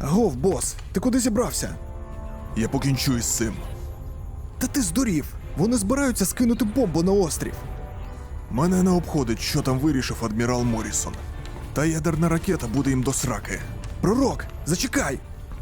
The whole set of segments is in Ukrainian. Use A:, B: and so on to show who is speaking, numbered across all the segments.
A: Агов, бос, ти куди зібрався?
B: Я покінчу із цим.
A: Та ти здурів! Вони збираються скинути бомбу на острів.
B: Мене не обходить, що там вирішив адмірал Моррісон. Та ядерна ракета буде їм до сраки.
A: Пророк, зачекай!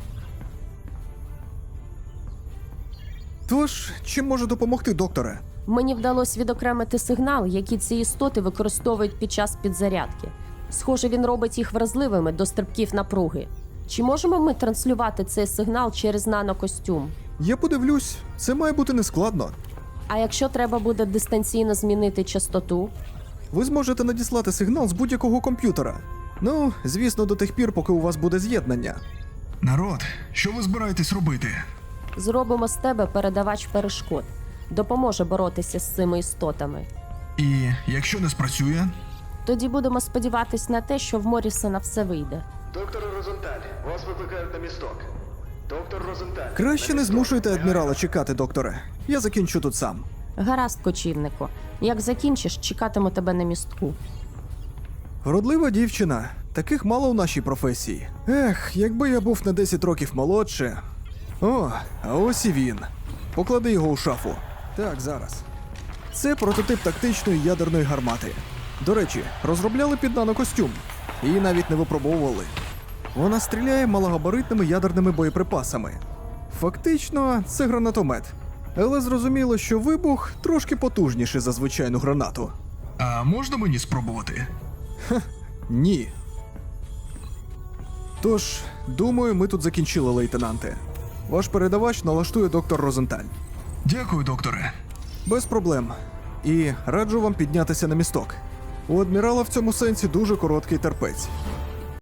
A: Тож, чим можу допомогти, докторе?
C: Мені вдалося відокремити сигнал, який ці істоти використовують під час підзарядки. Схоже, він робить їх вразливими до стрибків напруги. Чи можемо ми транслювати цей сигнал через нанокостюм?
A: Я подивлюсь, це має бути нескладно.
C: А якщо треба буде дистанційно змінити частоту?
A: Ви зможете надіслати сигнал з будь-якого комп'ютера. Ну, звісно, до тих пір, поки у вас буде з'єднання.
B: Народ, що ви збираєтесь робити?
C: Зробимо з тебе передавач перешкод. Допоможе боротися з цими істотами.
B: І якщо не спрацює?
C: Тоді будемо сподіватись на те, що в Моррісона все вийде.
D: Доктор Розенталь, вас викликають на місток. Доктор Розенталь.
A: Краще
D: на
A: не
D: місток.
A: змушуйте адмірала чекати, докторе. Я закінчу тут сам.
C: Гаразд, кочівнику. Як закінчиш, чекатиму тебе на містку.
A: Вродлива дівчина. Таких мало у нашій професії. Ех, якби я був на 10 років молодше. О, а ось і він. Поклади його у шафу. Так, зараз. Це прототип тактичної ядерної гармати. До речі, розробляли під нанокостюм. Її навіть не випробовували. Вона стріляє малогабаритними ядерними боєприпасами. Фактично, це гранатомет. Але зрозуміло, що вибух трошки потужніший за звичайну гранату.
B: А можна мені спробувати?
A: Ні. Тож, думаю, ми тут закінчили, лейтенанте. Ваш передавач налаштує доктор Розенталь.
B: Дякую, докторе.
A: Без проблем. І раджу вам піднятися на місток. У адмірала в цьому сенсі дуже короткий терпець.